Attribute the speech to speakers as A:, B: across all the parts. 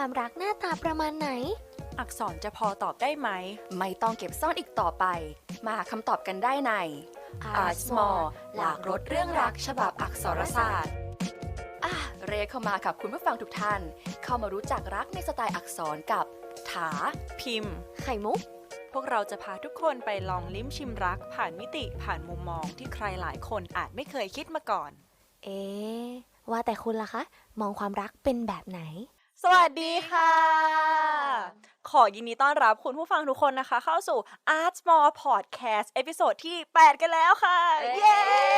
A: ความรักหน้าตาประมาณไหน
B: อักษรจะพอตอบได้ไหม
C: ไม่ต้องเก็บซ่อนอีกต่อไปมาหาคำตอบกันได้ใน Art Small หลากรสเรื่องรักฉบับอักษรศาสตร์เรียกเข้ามากับคุณผู้ฟังทุกท่านเข้ามารู้จักรักในสไตล์อักษรกับถา
B: พิมพ์
A: ไข่มุก
B: พวกเราจะพาทุกคนไปลองลิ้มชิมรักผ่านมิติผ่านมุมมองที่ใครหลายคนอาจไม่เคยคิดมาก่อน
A: ว่าแต่คุณล่ะคะมองความรักเป็นแบบไหน
B: สวัสดีค่ะขอยินดีต้อนรับคุณผู้ฟังทุกคนนะคะเข้าสู่ Art Small Podcast เอพิโซดที่ 8 กันแล้วค่ะเย้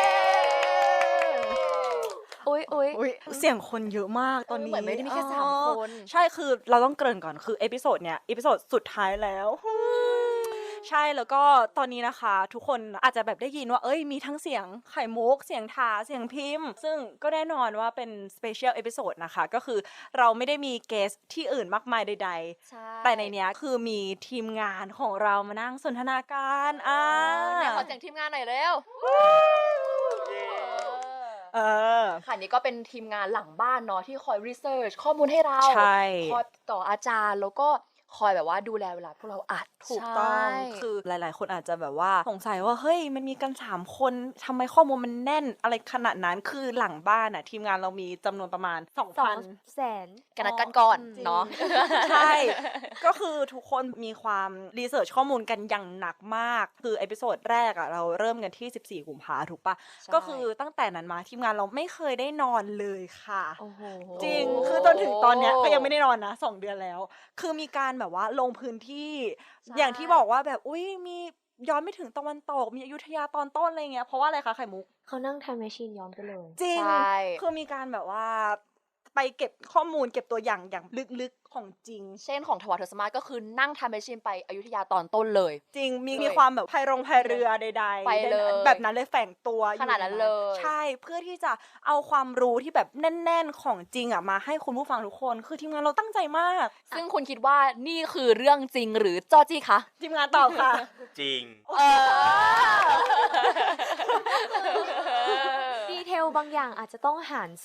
A: อุ๊ย
B: เสียงคนเยอะมากตอนนี้
C: เหมือนไม่ได้มีแค่3 คน
B: ใช่คือเราต้องเกริ่นก่อนคือเอพิโซดเนี้ยเอพิโซดสุดท้ายแล้วใช่แล้วก็ตอนนี้นะคะทุกคนอาจจะแบบได้ยินว่ามีทั้งเสียงไข่มุกเสียงทาเสียงพิมพ์ซึ่งก็แน่นอนว่าเป็นสเปเชียลเอพิโซดนะคะก็คือเราไม่ได้มีเกสที่อื่นมากมายใดๆแต่ในเนี้ยคือมีทีมงานของเรามานั่งสนทนากัน
C: เนี่ยขอเสียงทีมงานหน่อยเร็วค่ะนี่ก็เป็นทีมงานหลังบ้านเนาะที่คอยรีเสิร์ชข้อมูลให้เราคอยต่ออาจารย์แล้วก็คอยแบบว่าดูแลเวลาพวกเราอัด
B: ถูกต้องคือหลายๆคนอาจจะแบบว่าสงสัยว่าเฮ้ยมันมีกัน3 คนทำไมข้อมูลมันแน่นอะไรขนาดนั้นคือหลังบ้านอ่ะทีมงานเรามีจำนวนประมาณ 2,000
C: กันก่อนเนาะ
B: ใช่ก็คือทุกคนมีความรีเสิร์ชข้อมูลกันอย่างหนักมากคือเอพิโซดแรกอ่ะเราเริ่มกันที่14 กุมภาพันธ์ถูกปะก็คือตั้งแต่นั้นมาทีมงานเราไม่เคยได้นอนเลยค่ะจริงคือจนถึงตอนเนี้ยก็ยังไม่ได้นอนนะ2 เดือนแล้วคือมีการแบบว่าลงพื้นที่อย่างที่บอกว่าแบบมีย้อนไม่ถึงตะวันตกมีอยุธยาตอนต้นอะไรเงี้ยเพราะว่าอะไรคะไข่มุก
A: เขานั่งไทม์แมชชีนย้อนไปเลย
B: จริงคือมีการแบบว่าไปเก็บข้อมูลเก็บตัวอย่างลึกๆของจริง
C: เช่นของทวารทศมาก็คือนั่งไทม์แมชชีนไปอยุธยาตอนต้นเลย
B: จริงมีความแบบพายเรือใดๆ
C: ไปเลย
B: แบบนั้นเลยแฝงตัว
C: ขนาดนั้นเลย
B: ใช่เพื่อที่จะเอาความรู้ที่แบบแน่นๆของจริงอ่ะมาให้คุณผู้ฟังทุกคนคือทีมงานเราตั้งใจมาก
C: ซึ่งคุณคิดว่านี่คือเรื่องจริงหรือจอจี้คะ
B: ทีมงานตอบค่ะ
D: จริง
A: ดีเทลบางอย่างอาจจะต้องหาร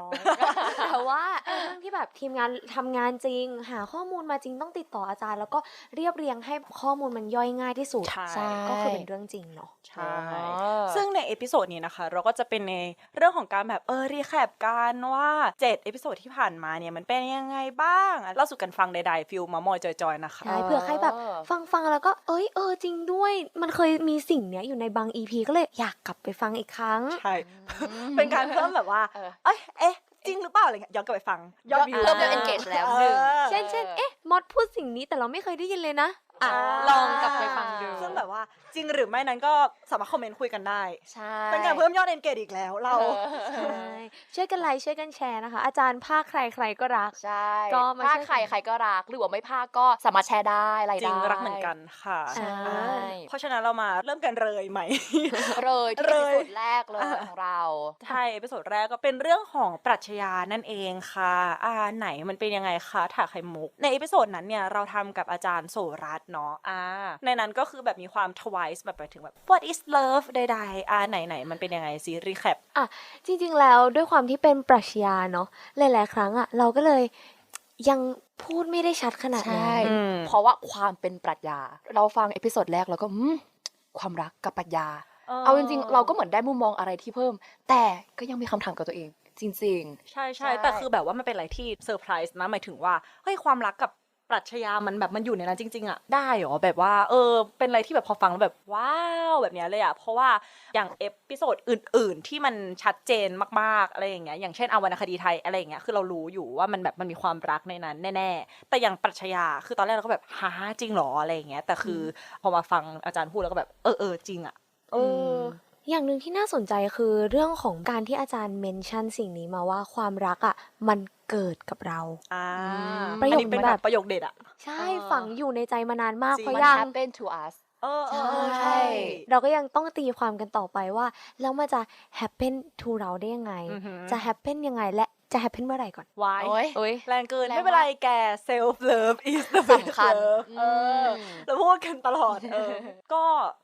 A: 200แต่ว่าเรื่องที่แบบทีมงานทำงานจริงหาข้อมูลมาจริงต้องติดต่ออาจารย์แล้วก็เรียบเรียงให้ข้อมูลมันย่อยง่ายที่สุด
B: ใช่
A: ก็คือเป็นเรื่องจริงเนาะ
B: ใช่ซึ่งในเอพิโซดนี้นะคะเราก็จะเป็นในเรื่องของการแบบรีแคปกันว่า7เอพิโซดที่ผ่านมาเนี่ยมันเป็นยังไงบ้างเล่าสู่กันฟังใดๆฟิลมามอยจอยๆนะคะ
A: ใช่เผื่อใครแบบฟังแล้วก็จริงด้วยมันเคยมีสิ่งเนี้ยอยู่ในบาง EP ก็เลยอยากกลับไปฟังอีกครั้ง
B: ใช่เป็นการเพิ่มแบบว่าจริงหรือเปล่าอะไรเงี้ยย้อนกลับไปฟัง
C: เริ่มengage แล้ว
A: เช่นมอดพูดสิ่งนี้แต่เราไม่เคยได้ยินเลยนะ
C: ลองกลับไปฟังดู
B: ซึ่งแบบว่าจริงหรือไม่นั้นก็สามารถคอมเมนต์คุยกันได้
C: ใช่
B: เป็นการเพิ่มยอด engage อีกแล้วเรา
A: ช่วยกันไลค์ช่วยกันแชร์นะคะอาจารย์ภาคใครก็รัก
C: ใช่ก็ภาคใครก็รักหรือว่าไม่ภาคก็สามารถแชร์ได้อะไรได้
B: จริงรักเหมือนกันค่ะ
A: ใช่
B: เพราะฉะนั้นเรามาเริ่มกันเลยไหม
C: ที่เอพิโซดแรกเลยของเรา
B: ใช่เอพิโซดแรกก็เป็นเรื่องของปรัชญานั่นเองค่ะไหนมันเป็นยังไงคะถาไข่มุกในเอพิโซดนั้นเนี่ยเราทำกับอาจารย์โสรัตน์เนาะในนั้นก็คือแบบมีความ twice แบบไปถึงแบบ what is love ใดๆไหนมันเป็นยังไงซีรีแคป
A: จริงๆแล้วด้วยความที่เป็นปรัชญาเนาะหลายๆครั้งเราก็เลยยังพูดไม่ได้ชัดขนาดนั้น
C: เพราะว่าความเป็นปรัชญาเราฟังเอพิโซดแรกแล้วก็ความรักกับปรัชญาเอาจริงๆเราก็เหมือนได้มุมมองอะไรที่เพิ่มแต่ก็ยังมีคำถามกับตัวเองจริง
B: ๆใช่แต่คือแบบว่ามันเป็นอะไรที่เซอร์ไพรส์นะหมายถึงว่าเฮ้ยความรักกับปรัชญามันแบบมันอยู่ในนั้นจริงๆได้หรอแบบว่าเป็นอะไรที่แบบพอฟังแล้วแบบว้าวแบบนี้เลยเพราะว่าอย่างเอพิโซดอื่นๆที่มันชัดเจนมากๆอะไรอย่างเงี้ยอย่างเช่นวรรณคดีไทยอะไรอย่างเงี้ยคือเรารู้อยู่ว่ามันแบบมันมีความรักในนั้นแน่ๆแต่อย่างปรัชญาคือตอนแรกเราก็แบบจริงหรออะไรอย่างเงี้ยแต่คือพอมาฟังอาจารย์พูดแล้วก็แบบจริง
A: อย่างหนึ่งที่น่าสนใจคือเรื่องของการที่อาจารย์เมนชั่นสิ่งนี้มาว่าความรักมันเกิดกับเรา
B: ประโยคเป็นแบบประโยคเด็ด
A: ใช่ฝังอยู่ในใจมานานมากเพราะ
C: ยัง happen to us
A: ใช่เราก็ยังต้องตีความกันต่อไปว่าแล้วมันจะ happen to เราได้ยังไงจะ happen ยังไงและจะ happen เมื่อไหร่ก่อน
B: วายแรงเกินไม่เป็นไรแก self love is the best love เราพูดกันตลอดก็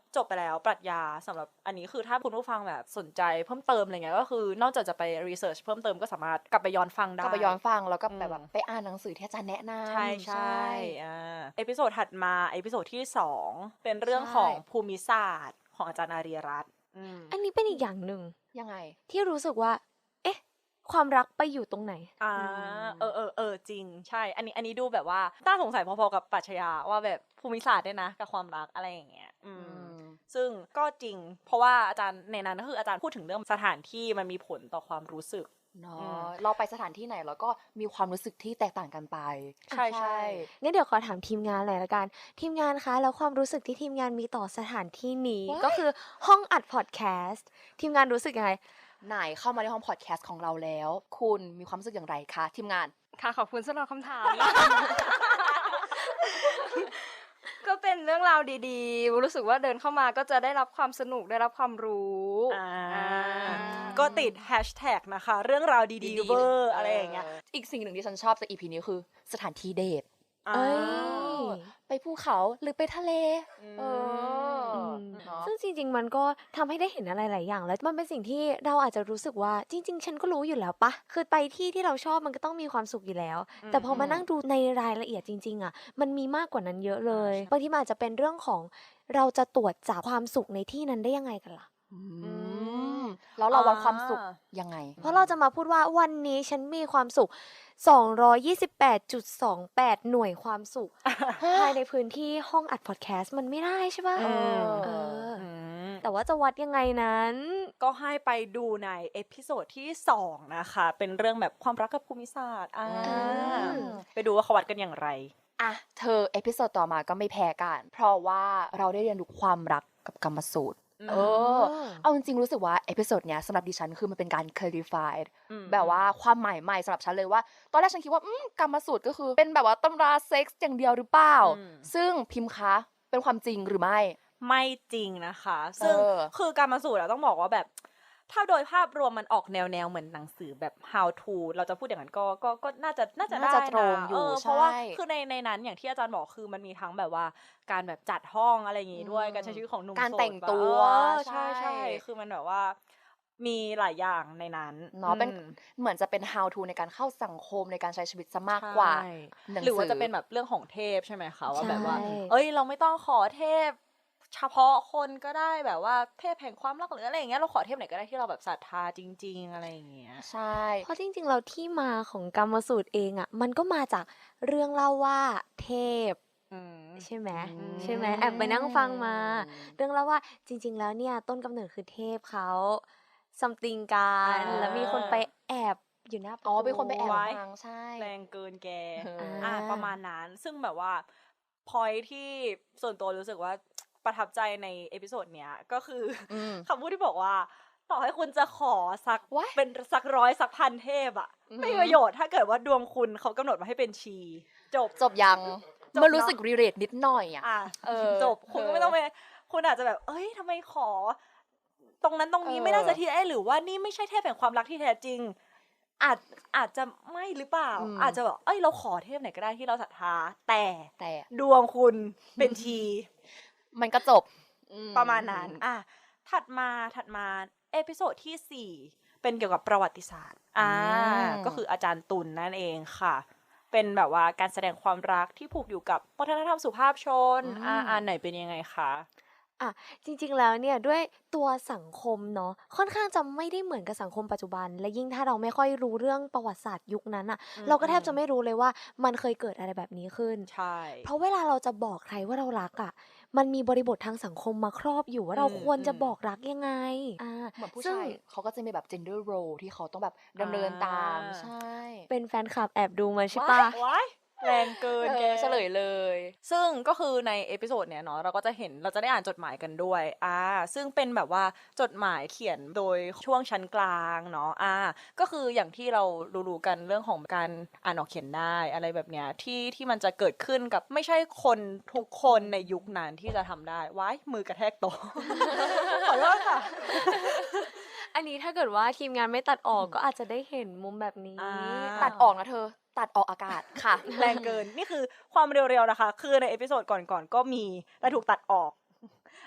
B: จบไปแล้วปรัชญาสำหรับอันนี้คือถ้าคุณผู้ฟังแบบสนใจเพิ่มเติมอะไรเงี้ยก็คือนอกจากจะไปรีเสิร์ชเพิ่มเติมก็สามารถกลับไปย้อนฟังได้
C: ก็ไปย้อนฟังแล้วก็แบบไปอ่านหนังสือที่อาจารย์แนะนำ
B: ใช่เอพิโซดถัดมาเอพิโซดที่2เป็นเรื่องของภูมิศาสตร์ของอาจารย์อารีรัตน์
A: อันนี้เป็นอีกอย่างหนึ่ง
C: ยังไง
A: ที่รู้สึกว่า เอ๊ะ ความรักไปอยู่ตรงไหน
B: จริงใช่อันนี้ดูแบบว่าน่าสงสัยพอๆกับปรัชญาว่าแบบภูมิศาสตร์ด้วยนะกับความรักอะไรอย่างเงี้ยซึ่งก็จริงเพราะว่าอาจารย์ในนั้นก็คืออาจารย์พูดถึงเรื่องสถานที่มันมีผลต่อความรู้สึก
C: เนาะเราไปสถานที่ไหนแล้วก็มีความรู้สึกที่แตกต่างกันไป
B: ใช่
A: งั้นเดี๋ยวขอถามทีมงานหน่อยละกันทีมงานคะแล้วความรู้สึกที่ทีมงานมีต่อสถานที่นี้ก็คือห้องอัดพอดแคสต์ทีมงานรู้สึกยังไง
C: ไหนเข้ามาในห้องพอดแคสต์ของเราแล้วคุณมีความรู้สึกอย่างไรคะทีมงาน
D: ค่ะขอบคุณสำหรับคำถาม ก็เป็นเรื่องราวดีๆรู้สึกว่าเดินเข้ามาก็จะได้รับความสนุกได้รับความรู้
B: ก็ติดแฮชแท็กนะคะเรื่องราวดีๆเวอร์อะไรอย่างเงี้ย
C: อีกสิ่งหนึ่งที่ฉันชอบจาก EP นี้คือสถานที่เดทไปภูเขาหรือไปทะเล
A: ซึ่งจริงๆมันก็ทำให้ได้เห็นอะไรหลายอย่างแล้วมันเป็นสิ่งที่เราอาจจะรู้สึกว่าจริงๆฉันก็รู้อยู่แล้วปะคือไปที่เราชอบมันก็ต้องมีความสุขอยู่แล้วแต่พอมานั่งดูในรายละเอียดจริงๆอ่ะมันมีมากกว่านั้นเยอะเลยบางทีมันอาจจะเป็นเรื่องของเราจะตรวจจับความสุขในที่นั้นได้ยังไงกันล่ะ
C: แล้วเราวัดความสุขยังไง
A: เพราะเราจะมาพูดว่าวันนี้ฉันมีความสุข228.28 หน่วยความสุขภายในพื้นที่ห้องอัดพอดแคสต์มันไม่ได้ใช่ป่ะแต่ว่าจะวัดยังไงนั้น
B: ก็ให้ไปดูในเอพิโซดที่2นะคะเป็นเรื่องแบบความรักกับภูมิศาสตร์ไปดูว่าเขาวัดกันอย่างไร
C: เธอเอพิโซดต่อมาก็ไม่แพ้กันเพราะว่าเราได้เรียนรู้ความรักกับกรรมสูตรเอาจริงๆรู้สึกว่าเอพิโซดเนี้ยสำหรับดิฉันคือมันเป็นการ clarify แบบว่าความหมายใหม่สำหรับฉันเลยว่าตอนแรกฉันคิดว่ากรรมสูตรก็คือเป็นแบบว่าตำราเซ็กส์อย่างเดียวหรือเปล่าซึ่งพิมพ์คะเป็นความจริงหรือไม่
B: จริงนะคะซึ่งคือกรรมสูตรต้องบอกว่าแบบถ้าโดยภาพรวมมันออกแนวเหมือนหนังสือแบบ how to เราจะพูดอย่างนั้นก็น่าจะได้
C: ตรงอยู่
B: เพราะว่าคือในนั้นอย่างที่อาจารย์บอกคือมันมีทั้งแบบว่าการแบบจัดห้องอะไรอย่างงี้ด้วยการใช้ชีวิตของหนุ่มโสด
C: การแต่งตัว
B: ใช่คือมันแบบว่ามีหลายอย่างในนั้น
C: เนาะเป็นเหมือนจะเป็น how to ในการเข้าสังคมในการใช้ชีวิตซะมากกว่า
B: หรือว่าจะเป็นแบบเรื่องของเทพใช่ไหมคะว่าแบบว่าเราไม่ต้องขอเทพเฉพาะคนก็ได้แบบว่าเทพแห่งความรักหรืออะไรอย่างเงี้ยเราขอเทพไหนก็ได้ที่เราแบบศรัทธาจริงๆอะไรอย่างเงี้ย
C: ใช่
A: เพราะจริงๆเราที่มาของกรรมสูตรเองอ่ะมันก็มาจากเรื่องเล่าว่าเทพใช่ไหมแอบไปนั่งฟังมาเรื่องเล่าว่าจริงๆแล้วเนี่ยต้นกำเนิดคือเทพเขาซัมติงกันแล้วมีคนไปแอบอยู่หน้า
C: เป็นคนไปแอบฟังใช่
B: แรงเกินแกประมาณนั้นซึ่งแบบว่าพอยที่ส่วนตัวรู้สึกว่าประทับใจในเอพิโซดเนี้ยก็คือคำพูดที่บอกว่าต่อให้คุณจะขอสักเป็นสัก100สักพันเทพอะไม่มีประโยชน์ถ้าเกิดว่าดวงคุณเขากำหนดมาให้เป็นชี
C: จบยังมันรู้สึกรีเลทนิดหน่อย
B: จบคุณก็ไม่ต้องไปคุณอาจจะแบบทำไมขอตรงนั้นตรงนี้ไม่น่าจะทีหรือว่านี่ไม่ใช่เทพแห่งความรักที่แท้จริงอาจจะไม่หรือเปล่าอาจจะแบบเราขอเทพไหนก็ได้ที่เราศรัทธาแต่ดวงคุณเป็นชี
C: มันก็จบ
B: ประมาณนั้นถัดมาเอพิโซดที่4เป็นเกี่ยวกับประวัติศาสตร์ก็คืออาจารย์ตุลนั่นเองค่ะเป็นแบบว่าการแสดงความรักที่ผูกอยู่กับวัฒนธรรมสุภาพชนไหนเป็นยังไงคะ
A: จริงๆแล้วเนี่ยด้วยตัวสังคมเนาะค่อนข้างจะไม่ได้เหมือนกับสังคมปัจจุบันและยิ่งถ้าเราไม่ค่อยรู้เรื่องประวัติศาสตร์ยุคนั้นเราก็แทบจะไม่รู้เลยว่ามันเคยเกิดอะไรแบบนี้ขึ้น
B: ใช่
A: เพราะเวลาเราจะบอกใครว่าเรารักมันมีบริบททางสังคมมาครอบอยู่ว่าเราควรจะบอกรักยังไง
C: เหมือนผู้ชายเขาก็จะมีแบบ gender role ที่เขาต้องแบบดำเนินตามใช่
A: เป็นแฟนคลับแอบดูมาใช่ปะ
B: แรงเกินแก
C: เฉลยเลย
B: ซึ่งก็คือในเอพิโซดเนี้ยเนาะเราก็จะเห็นเราจะได้อ่านจดหมายกันด้วยซึ่งเป็นแบบว่าจดหมายเขียนโดยช่วงชั้นกลางเนาะก็คืออย่างที่เรารู้กันเรื่องของการอ่านออกเขียนได้อะไรแบบเนี้ยที่มันจะเกิดขึ้นกับไม่ใช่คนทุกคนในยุคนั้นที่จะทำได้ว้ายมือกระแทกโต๊ะขอโทษค่ะ
A: อันนี้ถ้าเกิดว่าทีมงานไม่ตัดออกก็อาจจะได้เห็นมุมแบบนี้
C: ตัดออกนะเธอตัดออกอากาศค่ะ
B: แรงเกินนี่คือความเร็วๆนะคะคือในเอพิโซดก่อนๆก็มีแต่ถูกตัดออก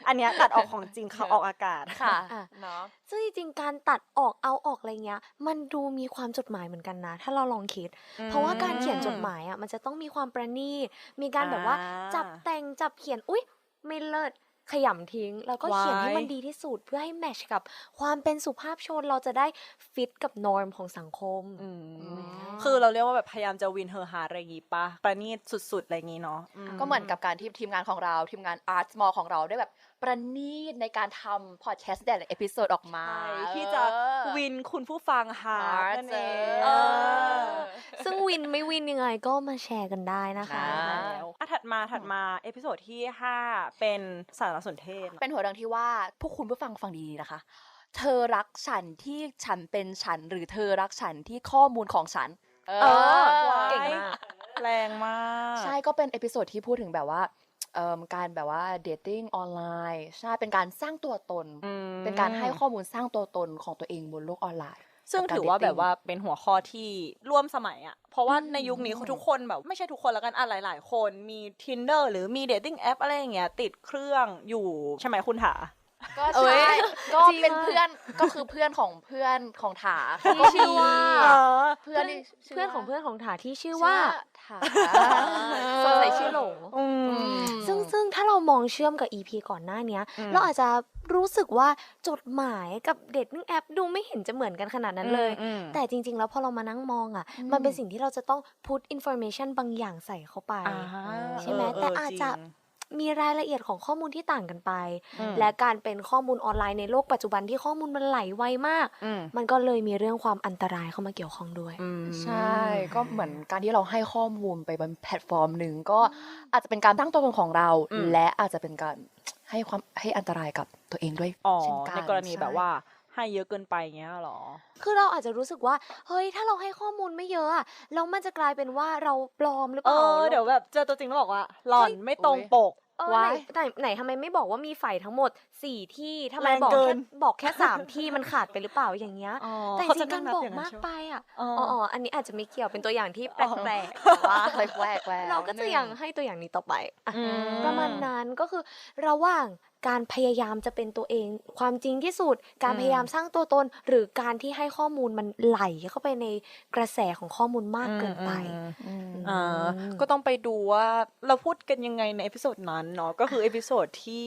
B: อันเนี้ยตัดออกของจริงเขาออกอากาศ
C: ค่ะ
A: อ่ะ
C: เนาะ
A: ซึ่งจริงๆการตัดออกเอาออกอะไรเงี้ยมันดูมีความจดหมายเหมือนกันนะถ้าเราลองคิด เพราะว่าการเขียนจดหมายอ่ะมันจะต้องมีความประณีตมีการแบบว่าจับแต่งจับเขียนอุ๊ยไม่เลิศขยำทิ้งแล้วก็เขียนให้มันดีที่สุดเพื่อให้แมทช์กับความเป็นสุภาพชนเราจะได้ฟิตกับนอร์มของสังคม
B: คือเราเรียกว่าแบบพยายามจะวินเฮอร์ฮาร์อะไรอย่างงี้ปะประณีตสุดๆอะไรอย่างงี้เนาะ
C: ก็เหมือนกับการที่ทีมงานของเราทีมงาน Art Small ของเราได้แบบประณีตในการทำพอดแคสต์แต่ละเอพิโซดออกมา
B: ใช่ที่จะวินคุณผู้ฟังฮาร์ดนั่นเอง
C: เออ
A: ซึ่งวินไม่วินยังไงก็มาแชร์กันได้นะคะ
B: แล้วถัดมาเอพิโซดที่ 5 เป็นสารสนเทศ
C: เป็นหัวเรื่องที่ว่าพวกคุณผู้ฟังฟังดีๆนะคะ เธอรักฉันที่ฉันเป็นฉันหรือเธอรักฉันที่ข้อมูลของฉัน
A: เก่งมาก
B: แรงมาก
C: ใช่ก็เป็นเอพิโซดที่พูดถึงแบบว่าการแบบว่าเดทติ้งออนไลน์ใช่เป็นการสร้างตัวตน เป็นการให้ข้อมูลสร้างตัวตนของตัวเองบนโลกออนไลน์
B: ซึ่งถือว่าแบบว่าเป็นหัวข้อที่ร่วมสมัยอ่ะ เพราะว่าในยุคนี้ทุกคนแบบไม่ใช่ทุกคนแล้วกันหลายๆ คนมี Tinder หรือมี dating app อะไรอย่างเงี้ยติดเครื่องอยู่ใช่ไหมคุณถา
C: ก็
A: เอ้
C: ใช่
A: ย
C: ก็
A: จริง
C: เป็น
A: อะ
C: เพื่อนก็คือเพื่อนของถา
A: ที่ชื่อว่า
C: เพื่อนที่
A: เพื่อนของเพื่อนของถาที่ชื่อว่า
C: ถา
A: สงสัยชื่อหลง
B: อืม
A: ซึ่งถ้าเรามองเชื่อมกับ EP ก่อนหน้าเนี้ย เราอาจจะรู้สึกว่าจดหมายกับเดทติ้งแอปดูไม่เห็นจะเหมือนกันขนาดนั้นเลย แต่จริงๆ แล้วพอเรามานั่งมองอ่ะ มันเป็นสิ่งที่เราจะต้อง put information บางอย่างใส่เข้าไป ใช่ไหมแต่อาจจะมีรายละเอียดของข้อมูลที่ต่างกันไป และการเป็นข้อมูลออนไลน์ในโลกปัจจุบันที่ข้อมูลมันไหลไวมาก มันก็เลยมีเรื่องความอันตรายเข้ามาเกี่ยวข้องด้วย
C: ใช่ ก็เหมือนการที่เราให้ข้อมูลไปบนแพลตฟอร์มหนึ่งก็อาจจะเป็นการตั้งตัวตนของเรา และอาจจะเป็นการให้อันตรายกับตัวเองด้วย
B: อ๋อ
C: เช่นกัน
B: ในกรณี
C: ใช่
B: แบบว่าให้เยอะเกินไปเงี้ยหรอ
A: คือเราอาจจะรู้สึกว่าเฮ้ยถ้าเราให้ข้อมูลไม่เยอะอะแล้วมันจะกลายเป็นว่าเราปลอมหรือเปล่า
B: เดี๋ยวแบบเจอตัวจริงแล้วบอกว่าหล่อนไม่ตรงปก
A: ไหนทำไมไม่บอกว่ามีไฟทั้งหมด4ที่ทำไม
B: แรง
A: บอก
B: เกิ
A: แค่
B: น
A: บอกแค่3ที่มันขาดไปหรือเปล่าอย่างเงี้ยแต่จริงๆการบอกมากไปอ่ะอันนี้อาจจะไม่เกี่ยวเป็นตัวอย่างที่แปลกๆแต่ว่า
C: แหวก
A: เราก็จะยังให้ตัวอย่างนี้ต่อไปอ่ะประมาณนั้นก็คือระหว่างการพยายามจะเป็นตัวเองความจริงที่สุดการพยายามสร้างตัวตนหรือการที่ให้ข้อมูลมันไหลเข้าไปในกระแสของข้อมูลมากเกินไป
B: ก็ต้องไปดูว่าเราพูดกันยังไงในเอพิโซดนั้นเนาะก็คือเอพิโซดที่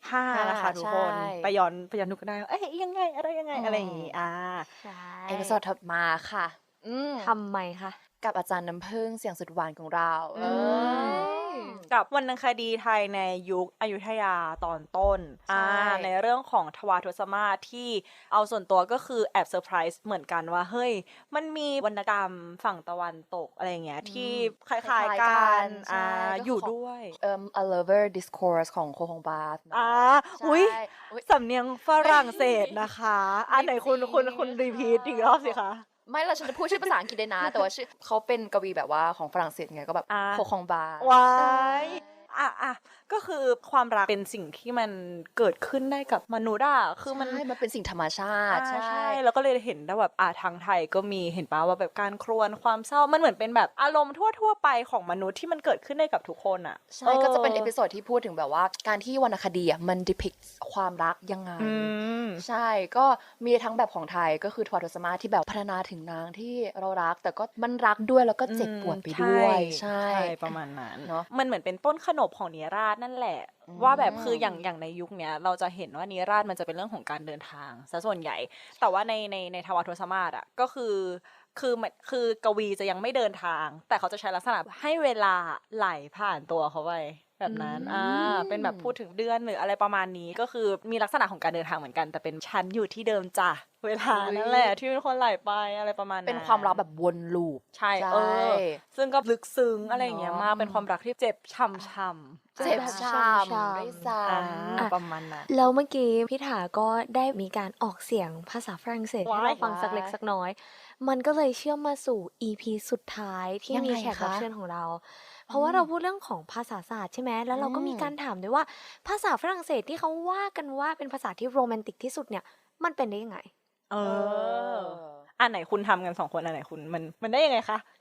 B: 5นะคะทุกคน
C: ใช่
B: ไปย้อนดูกันได้เอ้ยยังไงอะไรยังไงอะไรอย่างงี้
C: เอพิโซดถัดมาค่ะ
A: ทำไมคะ
C: กับอาจารย์น้ำผึ้งเสียงสุดหวานของเรา
B: กับวรรณคดีไทยในยุคอยุธยาตอนต้นในเรื่องของทวารทศมาศที่เอาส่วนตัวก็คือแอบเซอร์ไพรส์เหมือนกันว่าเฮ้ยมันมีวรรณกรรมฝั่งตะวันตกอะไรอย่างเงี้ยที่คล้ายๆกันอยู่ด้วย
C: A Lover Discourse ของโคฮงบาส
B: อุ้ยสำเนียงฝรั่งเศสนะคะไหนคุณรีพีทอีกรอบสิคะ
C: ไม่เราฉันจะพูดชื่อภาษาอังกฤษได้นะ แต่ว่าชื่อเขาเป็นกวีแบบว่าของฝรั่งเศสไงก็แบบโคฮองบา
B: ว้ายก็คือความรักเป็นสิ่งที่มันเกิดขึ้นได้กับมนุษย์คือมัน
C: เป็นสิ่งธรรมชาติ
B: ใช่แล้วก็เลยเห็นได้แบบทางไทยก็มีเห็นป่ะว่าแบบการครวญความเศร้ามันเหมือนเป็นแบบอารมณ์ทั่วไปของมนุษย์ที่มันเกิดขึ้นได้กับทุกคน
C: ใช่ก็จะเป็นเอพิโซดที่พูดถึงแบบว่าการที่วรรณคดีมัน depict ความรักยังไงใช่ก็มีทั้งแบบของไทยก็คือทวารทศมาศที่แบบพัฒนาถึงนางที่เรารักแต่ก็มันรักด้วยแล้วก็เจ็บปวดไปด้วยใช่
B: ประมาณนั้น
C: เนาะ
B: มันเหมือนเป็นต้นขนบของนิราศนั่นแหละว่าแบบคืออย่างในยุคเนี้ยเราจะเห็นว่านิราศมันจะเป็นเรื่องของการเดินทางซะส่วนใหญ่แต่ว่าในทวารทศมาศก็คือกวีจะยังไม่เดินทางแต่เขาจะใช้ลักษณะให้เวลาไหลผ่านตัวเขาไปแบบนั้นเป็นแบบพูดถึงเดือนหรืออะไรประมาณนี้ก็คือมีลักษณะของการเดินทางเหมือนกันแต่เป็นชั้นอยู่ที่เดิมจ้ะเวลานั่นแหละที่เป็นคนไหลไปอะไรประมาณนั้น
C: เป็นความรักแบบวนลูป
B: ใช่ซึ่งก็ลึกซึ้งอะไรอย่างเงี้ยมากเป็นความรักที่เจ็บช้ำ
C: เจ็บช้ำด้วยซ้ำ
B: ประมาณนั้น
A: แล้วเมื่อกี้พี่ถาก็ได้มีการออกเสียงภาษาฝรั่งเศสให้เราฟังสักเล็กสักน้อยมันก็เลยเชื่อมมาสู่ EP สุดท้ายที่มีแขกรับเชิญของเราเพราะว่าเราพูดเรื่องของภาษาศาสตร์ใช่ไหมแล้วเราก็มีการถามด้วยว่าภาษาฝรั่งเศสที่เขาว่ากันว่าเป็นภาษาที่โรแมนติกที่สุดเนี่ยมันเป็นได้ยังไง
B: อันไหนคุณทำกัน2คนอันไหนคุณมันได้ยังไงคะ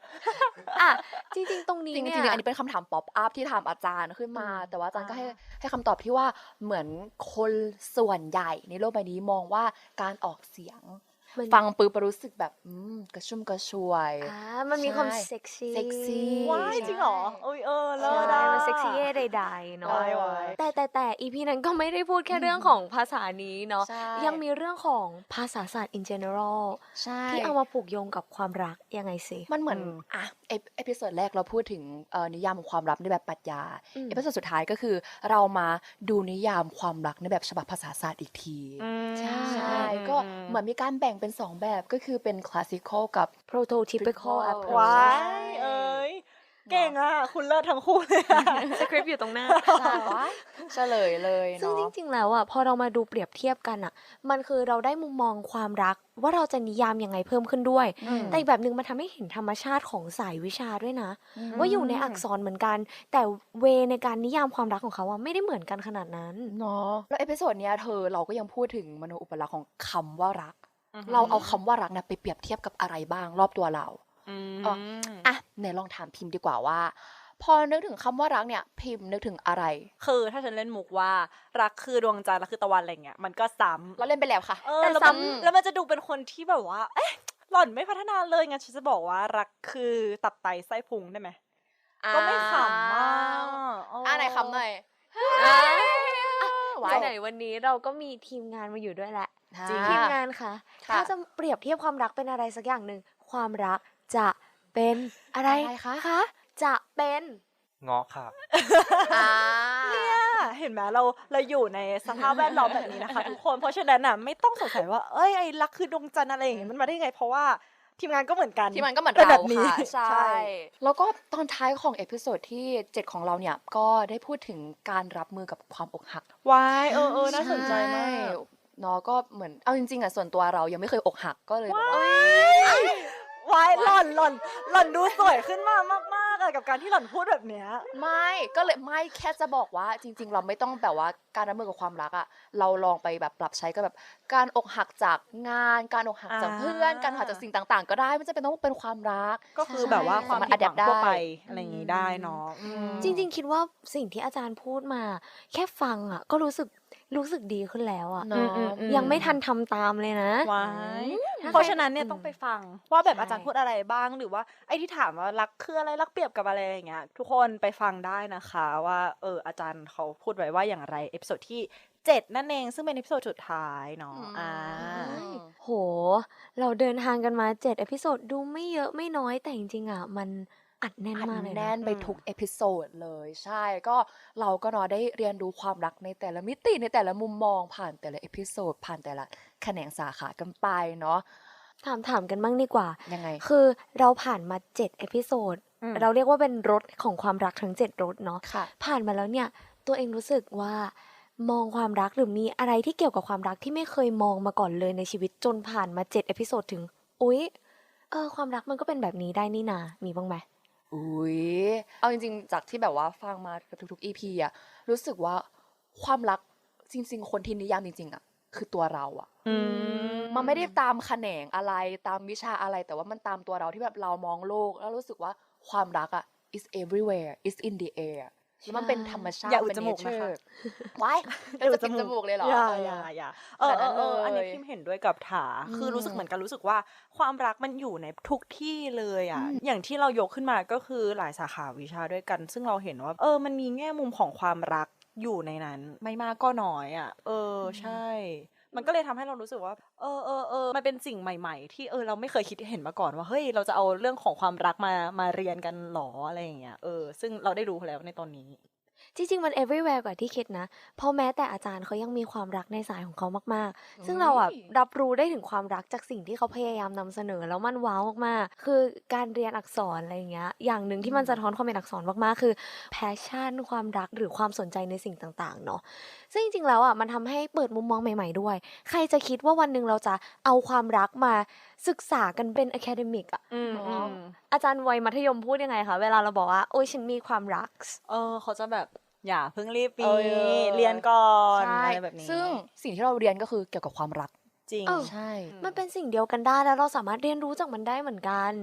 A: อ่ะจริงๆตรงนี้
C: จริง
A: เนี่
C: ๆ
A: ย
C: อันนี้เป็นคำถามป๊อปอัพที่ถามอาจารย์ขึ้นมา แต่ว่าอาจารย์ก็ให้คำตอบที่ว่าเหมือนคนส่วนใหญ่ในโลกใบนี้มองว่าการออกเสียง
A: มัน
C: ฟังปุ๊บรู้สึกแบบกระชุ่มกระชวย
A: มันมีความ
C: ใช่
A: เซ็กซี่
C: เซ็กซี่
B: ว้ายจริงเหรออุ้ยเลิ
A: ใช่
B: ศอะ
A: มันเซ็กซี่ใดๆเนาะ
B: ไว้
A: แต่อีพีนั้นก็ไม่ได้พูดแค่เรื่องของภาษานี้เนาะ
C: ใช่
A: ยังมีเรื่องของภาษาศาสตร์ in general
C: ใช่
A: ที่เอามาผูกโยงกับความรักยังไงสิ
C: มันเหมือนเอพิโซดแรกเราพูดถึงนิยามของความรักในแบบปรัชญา
A: อืม
C: เอพิโซดสุดท้ายก็คือเรามาดูนิยามความรักในแบบฉบับภาษาศาสตร์อีกที
A: ใช่
C: ใช่ก็เหมือนมีการแบ่งเป็นสองแบบก็คือเป็นคลาสสิคอลกับ
A: prototypical approach
B: ว้ายเก่งอ่ะ คุณเลิศทั้งคู่เลยอะ
A: สคริปต์อยู่ตรงหน้า
C: ใช่เฉลยเลย
A: ซึ่ง
C: เนาะ
A: จริงๆ แล้วอ่ะพอเรามาดูเปรียบเทียบกันอ่ะ มันคือเราได้มุมมองความรักว่าเราจะนิยามยังไงเพิ่มขึ้นด้วย แต่อีกแบบหนึ่งมันทำให้เห็นธรรมชาติของสายวิชาด้วยนะ ว่าอยู่ในอักษรเหมือนกัน แต่เวในการนิยามความรักของเขาอ่ะไม่ได้เหมือนกันขนาดนั้น
C: เนาะแล้วเอพิโซดเนี้ยเราก็ยังพูดถึงมโนอุปลักษณ์ของคำว่ารัก เราเอาคำว่ารักนะไปเปรียบเทียบกับอะไรบ้างรอบตัวเราไหนลองถามพิมพ์ดีกว่าว่า พอนึกถึงคำว่ารักเนี่ยพิมพ์นึกถึงอะไร
B: คือถ้าฉันเล่นมุกว่ารักคือดวงจันทร์รักคือตะวันอะไรเงี้ยมันก็ซ้ำ
C: เราเล่นไปแล้วค่ะ
B: แต่
A: แต่
B: ซ้ำ
A: ซ้ำ
B: แล้วมันจะดูเป็นคนที่แบบว่า เอ๊ะหล่อนไม่พัฒนาเลยงั้นฉันจะบอกว่ารักคือตับไตไส้พุงได้ไหมก็ไม่ขำมาก
C: ไหนคำหน่อย
A: ไหนๆวันนี้เราก็มีทีมงานมาอยู่ด้วยแหละ
C: จริง
A: ทีมงานคะ
C: ค่ะ
A: ถ้าจะเปรียบเทียบความรักเป็นอะไรสักอย่างหนึ่งความรักจะเป็นอะไร
C: คะ
A: จะเป็น
E: เงาะค่ะ
B: เห็นไหมเราอยู่ในสภาพแวดล้อมแบบนี้นะคะทุกคนเพราะฉะนั้นน่ะไม่ต้องสงสัยว่าเอ้ยไอ้รักคือดวงจันทร์อะไรอย่างเงี้ยมันมาได้ไงเพราะว่าทีมงานก็เหมือนกัน
C: ที่มันก็เหมือน
B: เป็น
C: เรา
B: แบบนี้
C: ค่ะใช่ แล้วก็ตอนท้ายของเอพิโซดที่ 7 ของเราเนี่ยก็ได้พูดถึงการรับมือกับความอกหัก
B: วายน่าสนใจมาก
C: เนาะก็เหมือนเอาจริงๆอ่ะส่วนตัวเรายังไม่เคยอกหักก็เลยแบบว่า
B: วายหล่อนดูสวยขึ้นมามากๆอะกับการที่หล่อนพูดแบบเนี้ย
C: ไม่แค่จะบอกว่าจริง ๆ เราไม่ต้องแบบว่าการรับมือกับความรักอ่ะเราลองไปแบบปรับใช้ก็แบบการอกหักจากงานการอกหักจากเพื่อนการอกหักจากสิ่งต่างๆ ก็ได้ไม่จำเป็นต้องเป็นความรัก
B: ก็คือแบบว่าความ
C: สามารถ
B: ผิดหวัง
C: adapt
B: ทั่วไป
C: ได้
B: อะไรอย่างงี้ได้เนาะ
A: จริงๆ คิดว่าสิ่งที่อาจารย์พูดมา แค่ฟังอ่ะก็รู้สึกดีขึ้นแล้วอ่ะ
C: เนาะ
A: ยังไม่ทันทำตามเลยนะ
B: ว้าย
A: ถ้าใคร
B: เพราะฉะนั้นเนี่ยต้องไปฟังว่าแบบ
C: ใช่
B: อาจารย์พูดอะไรบ้างหรือว่าไอ้ที่ถามว่ารักคืออะไรรักเปรียบกับอะไรอย่างเงี้ยทุกคนไปฟังได้นะคะว่าอาจารย์เขาพูดไว้ว่าอย่างไรเอพิโซดที่ 7 นั่นเองซึ่งเป็นเอพิโซดสุดท้ายเนาะ
A: โห เราเดินทางกันมา7เอพิโซดดูไม่เยอะไม่น้อยแต่จริงๆอ่ะมันอัดแน่น
C: อัด
A: มากเลย
C: แน่
A: นะ
C: นไปทุกเอพิโซดเลยใช่ก็เราก็เนาะได้เรียนรู้ความรักในแต่ละมิติในแต่ละมุมมองผ่านแต่ละเอพิโซดผ่านแต่ละแขนงสาขากันไปเนาะ
A: ถามกันบ้างดีกว่า
C: ยังไง
A: คือเราผ่านมา7เอพิโซด
B: อืม
A: เราเรียกว่าเป็นรถของความรักทั้ง7รถเนาะ
C: ค่ะ
A: ผ่านมาแล้วเนี่ย ตัวเองรู้สึกว่ามองความรักหรือมีอะไรที่เกี่ยวกับความรักที่ไม่เคยมองมาก่อนเลยในชีวิตจนผ่านมา7เอพิโซดถึง อุ๊ยความรักมันก็เป็นแบบนี้ได้นี่นามีบ้างไหม
C: อุ้ยเอาจริงๆจากที่แบบว่าฟังมากับทุกๆ EP อะรู้สึกว่าความรักจริงๆ คนที่นิยามจริงๆอะคือตัวเราอะมันไม่ได้ตามแขนงอะไรตามวิชาอะไรแต่ว่ามันตามตัวเราที่แบบเรามองโลกแล้วรู้สึกว่าความรักอะ is everywhere is in the air แล้วมันเป็นธรรมชาติ
B: อย่าอุด
C: เป็น
B: จมูกนะคะ
C: nature ว้ายเราจะปิดจมูกเลยเหรอ
B: อย่า
C: ขนาดนั้นเลย
B: อันนี้พิมเห็นด้วยกับถาคือรู้สึกเหมือนกันรู้สึกว่าความรักมันอยู่ในทุกที่เลยอ่ะอย่างที่เรายกขึ้นมาก็คือหลายสาขาวิชาด้วยกัน ซึ่งเราเห็นว่ามันมีแง่มุมของความรักอยู่ในนั้นไม่มากก็น้อยอ่ะใช่ มันก็เลยทำให้เรารู้สึกว่ามันเป็นสิ่งใหม่ๆ ที่เราไม่เคยคิดเห็นมาก่อนว่าเฮ้ยเราจะเอาเรื่องของความรักมาเรียนกันหรออะไรอย่างเงี้ยซึ่งเราได้รู้แล้วในตอนนี้
A: จริงๆ มัน everywhere กว่าที่คิดนะ เพราะแม้แต่อาจารย์เขายังมีความรักในสายของเขามากๆ ซึ่งเราอ่ะรับรู้ได้ถึงความรักจากสิ่งที่เขาพยายามนำเสนอแล้วมันว้าวมากๆ คือการเรียนอักษรอะไรอย่างเงี้ย อย่างหนึ่งที่มันสะท้อนความเป็นอักษรมากๆ คือ passion ความรักหรือความสนใจในสิ่งต่างๆ เนาะ ซึ่งจริงๆ แล้วอ่ะมันทำให้เปิดมุมมองใหม่ๆ ด้วย ใครจะคิดว่าวันหนึ่งเราจะเอาความรักมาศึกษากันเป็น academic อ่ะ อาจารย์วัยมัธยมพูดยังไงคะ เวลาเราบอกว่าโอ้ยฉันมีความรัก
B: เขาจะแบบอย่าเพิ่งรีบปี
C: เออ
B: เรียนก่อน
C: ใช่
B: อะไรแบบนี้
C: ซึ่งสิ่งที่เราเรียนก็คือเกี่ยวกับความรัก
B: จริง
A: เออ
C: ใช่
A: มันเป็นสิ่งเดียวกันได้แล้วเราสามารถเรียนรู้จากมันได้เหมือนกัน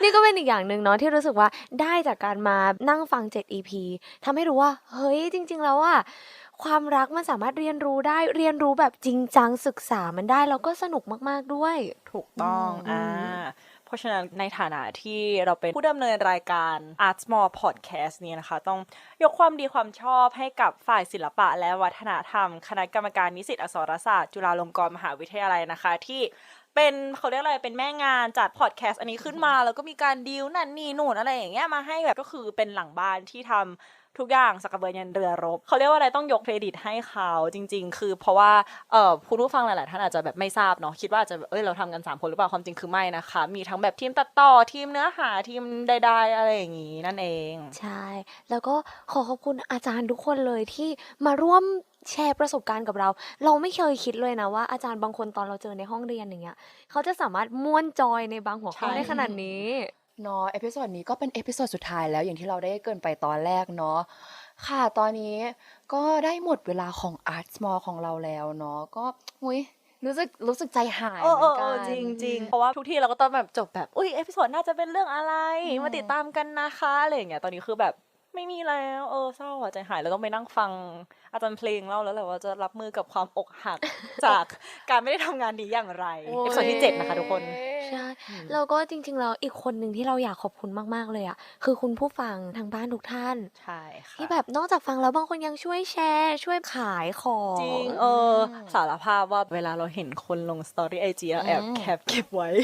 A: นี่ก็เป็นอีกอย่างหนึ่งเนาะที่รู้สึกว่าได้จากการมานั่งฟัง7 EP ทำให้รู้ว่าเฮ้ยจริง ๆ แล้วอะความรักมันสามารถเรียนรู้ได้เรียนรู้แบบจริงจังศึกษามันได้แล้วก็สนุกมากๆด้วย
B: ถูกต้องเพราะฉะนั้นในฐานะที่เราเป็นผู้ดำเนินรายการ Art Small Podcast นี้นะคะต้องยกความดีความชอบให้กับฝ่ายศิลปะและวัฒนธรรมคณะกรรมการนิสิตอักษรศาสตร์จุฬาลงกรณ์มหาวิทยาลัยนะคะที่เป็นเขาเรียกอะไรเป็นแม่งานจัดพอดแคสต์อันนี้ขึ้นมาแล้วก็มีการดีลนั่นนี่นู่นอะไรอย่างเงี้ยมาให้แบบก็คือเป็นหลังบ้านที่ทำทุกอย่างสักกระเบือยันเรือรบเขาเรียกว่าอะไรต้องยกเครดิตให้เขาจริงๆคือเพราะว่าคุณผู้ฟังหลายๆท่านอาจจะแบบไม่ทราบเนาะคิดว่าอาจจะเราทำกัน3 คนหรือเปล่าความจริงคือไม่นะคะมีทั้งแบบทีมตัดต่อทีมเนื้อหาทีมใดๆอะไรอย่างงี้นั่นเอง
A: ใช่แล้วก็ขอบคุณอาจารย์ทุกคนเลยที่มาร่วมแชร์ประสบการณ์กับเราเราไม่เคยคิดเลยนะว่าอาจารย์บางคนตอนเราเจอในห้องเรียนอย่างเงี้ยเขาจะสามารถม่วนจอยในบางหัวข้อได้ขนาดนี้
C: เนาะเอพิโซดนี้ก็เป็นเอพิโซดสุดท้ายแล้วอย่างที่เราได้เกริ่นไปตอนแรกเนาะค่ะตอนนี้ก็ได้หมดเวลาของ Art Small ของเราแล้วเนาะก็อุ๊ยรู้สึกใจหายเหมือนกัน
B: จริงๆเพราะว่าทุกทีเราก็ต้องแบบจบแบบอุ้ยเอพิโซดน่าจะเป็นเรื่องอะไรมาติดตามกันนะคะอะไรอย่างเงี้ยตอนนี้คือแบบไม่มีแล้วเศร้าใจหายแล้วต้องไปนั่งฟังอาจารย์เพลงเล่าแล้วแหละว่าจะรับมือกับความอกหัก จากการไม่ได้ทำงานนี้อย่างไรเอพิโซดที่7นะคะทุกคน
A: ใช่แล้วก็จริงๆแล้วอีกคนหนึ่งที่เราอยากขอบคุณมากๆเลยอ่ะคือคุณผู้ฟังทางบ้านทุกท่าน
B: ใช่ค่ะ
A: ที่แบบนอกจากฟังแล้วบางคนยังช่วยแชร์ช่วยขายของ
B: จริงสารภาพว่าเวลาเราเห็นคนลงสตอรี่ไอจีแอบแคปเก็บไว้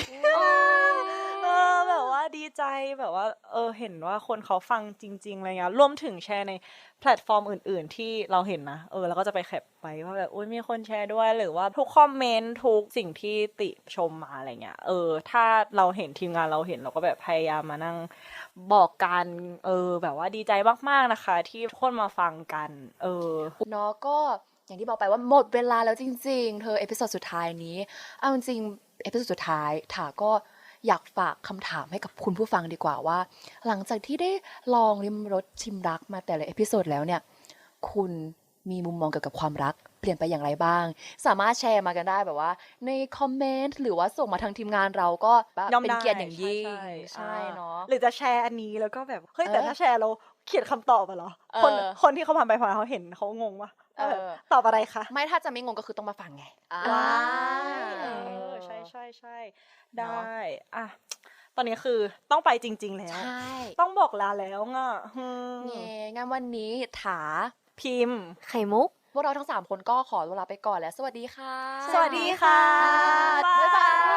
B: แบบว่าดีใจแบบว่าเห็นว่าคนเขาฟังจริงๆอะไรเงี้ยรวมถึงแชร์ในแพลตฟอร์มอื่นๆที่เราเห็นนะแล้วก็จะไปแคปไปว่าแบบอุ้ยมีคนแชร์ด้วยหรือว่าทุกคอมเมนต์ทุกสิ่งที่ติชมมาอะไรเงี้ยถ้าเราเห็นทีมงานเราเห็นเราก็แบบพยายามมานั่งบอกกันแบบว่าดีใจมากๆนะคะที่ทุกคนมาฟังกัน
C: เนาะก็อย่างที่บอกไปว่าหมดเวลาแล้วจริงๆเธอเอพิโซดสุดท้ายนี้เอาจริงเอพิโซดสุดท้ายถาก็อยากฝากคำถามให้กับคุณผู้ฟังดีกว่าว่าหลังจากที่ได้ลองริมรสชิมรักมาแต่ละเอพิโซดแล้วเนี่ยคุณมีมุมมองเกี่ยวกับความรักเปลี่ยนไปอย่างไรบ้างสามารถแชร์มากันได้แบบว่าในคอมเมนต์หรือว่าส่งมาทางทีมงานเราก็เป็นเกียรติอย่างยิ่งใช่เนาะ
B: หรือจะแชร์อันนี้แล้วก็แบบเฮ้ยแต่ถ้าแชร์เราเขียนคำตอบอะเหรอคนที่เขาผ่านไปผ่านเขาเห็นเขางงวะตอบอะไรคะ
C: ไม่ถ้าจะไม่งงก็คือต้องมาฟังไง
B: ว้าวใช่ใช่ใช่ได้อ่ะตอนนี้คือต้องไปจริงๆแล้วต้องบอกลาแล้วง่ะ
C: งั้นวันนี้ถา
B: พิมพ์
A: ไข่มุก
C: พวกเราทั้ง3คนก็ขอเวลาไปก่อนแล้วสวัสดีค่ะ
B: สวัสดีค่ะ
C: บ๊ายบาย